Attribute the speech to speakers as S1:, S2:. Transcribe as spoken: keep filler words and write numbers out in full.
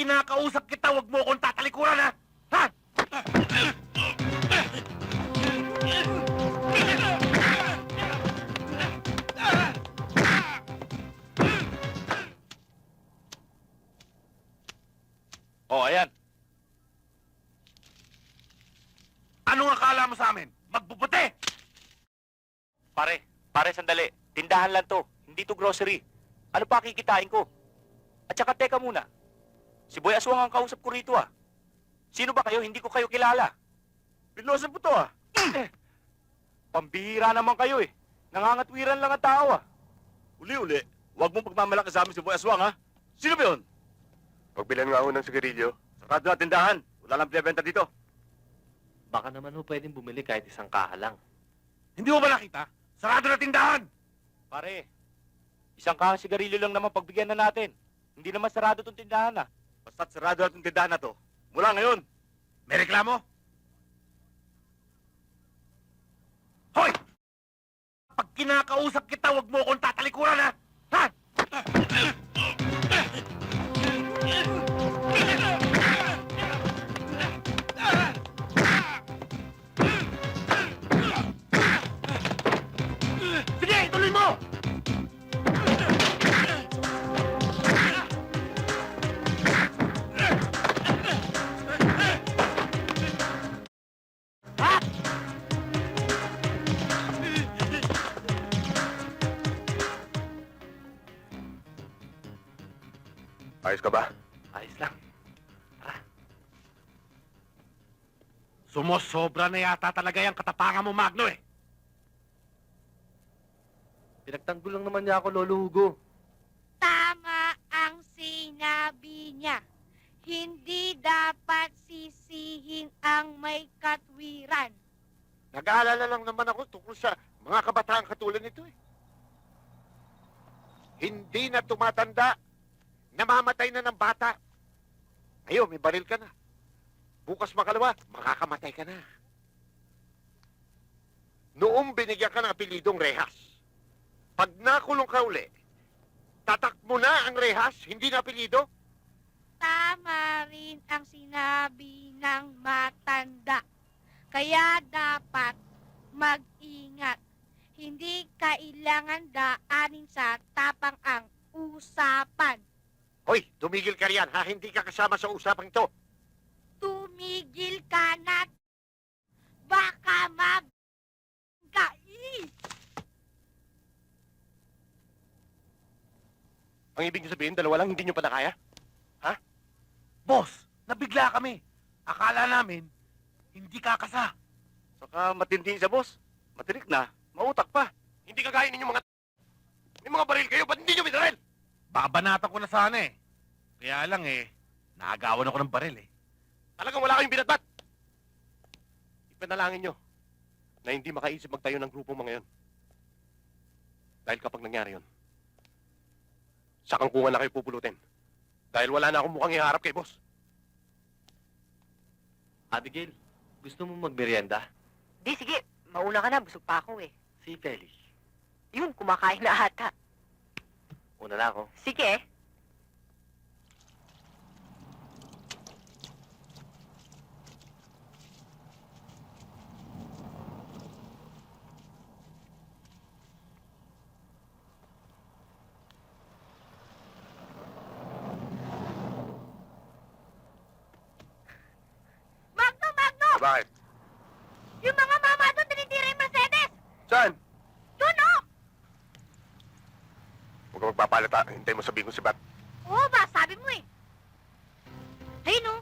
S1: kinakausap kita, huwag mo akong tatalikuran, ha? Ha?
S2: Oh, ayan.
S1: Anong akala mo sa amin? Magbubuti!
S2: Pare, pare, sandali. Tindahan lang to. Hindi to grocery. Ano pa kikitain ko? At saka, teka muna. Si Boy Aswang ang kausap ko rito, ah. Sino ba kayo? Hindi ko kayo kilala. Pilosan po to, ah. Pambihira naman kayo, eh. Nangangatwiran lang ang tao, ah.
S3: Uli-uli, huwag mong pagmamalaki sa amin si Boy Aswang, ha? Sino ba yun?
S4: Pagbilan nga ho ng sigarilyo.
S3: Sarado na tindahan. Wala lang pinabenta dito.
S5: Baka naman ho pwedeng bumili kahit isang kaha lang.
S1: Hindi mo ba nakita? Sarado na tindahan!
S2: Pare, isang kahang sigarilyo lang naman pagbigyan na natin. Hindi naman sarado tong tindahan, ah.
S3: Basta't sarado na itong tindahan na to. Mula ngayon.
S1: May reklamo? Hoy! Pag kinakausap kita, huwag mo akong tatalikuran, ha? Ha? Sige, ituloy mo! Ha?
S4: Ayos ka ba?
S5: Ayos lang.
S1: Sumusobra na yata talaga yung katapangan mo, Magno, eh.
S5: Pinagtanggol lang naman niya ako, Lolo Hugo.
S6: Tama ang sinabi niya. Hindi dapat sisihin ang may katwiran.
S4: Nag-aalala lang naman ako tungkol sa mga kabataan katulad nito eh. Hindi na tumatanda. Namamatay na ng bata. Ngayon, may baril ka na. Bukas makalawa, makakamatay ka na. Noong binigyan ka ng apelidong Rehas, pag nakulong ka uli, tatakbo na ang Rehas, hindi na apelido?
S6: Tama rin ang sinabi ng matanda. Kaya dapat mag-ingat. Hindi kailangan daanin sa tapang ang usapan.
S4: Hoy, tumigil ka riyan, ha? Hindi ka kasama sa usapang ito.
S6: Tumigil ka na. Baka mag-kai.
S4: Ang ibig sabihin, dalawa lang, hindi nyo pa na kaya?
S1: Boss, nabigla kami. Akala namin, hindi kakasa.
S3: Saka matindi sa boss. Matirik na. Mautak pa.
S4: Hindi kagaya ninyo mga... May mga baril kayo, ba't hindi nyo binaril?
S1: Babanatan ko na sana, eh. Kaya lang, eh, naagawan ako ng baril, eh.
S4: Talagang wala kayong binatbat. Ipanalangin nyo na hindi makaisip magtayo ng grupong mga yon. Dahil kapag nangyari yun, sa kangkungan na kayo pupulutin. Dahil wala na akong mukhang iharap kay boss.
S5: Abigail, gusto mo magmerienda?
S7: Di, sige. Mauna ka na. Busog pa ako eh.
S5: Si Feli.
S7: Yun, kumakain na ata.
S5: Una na ako.
S7: Sige.
S6: Magno, Magno!
S4: Bakit?
S6: Yung mga mama doon tinitira yung Mercedes!
S4: Saan?
S6: Yun, oh!
S4: Huwag ka magpapalata. Hintay mo sabihin ko si Bat.
S6: Oo ba, sabi mo eh. Ayun, oh.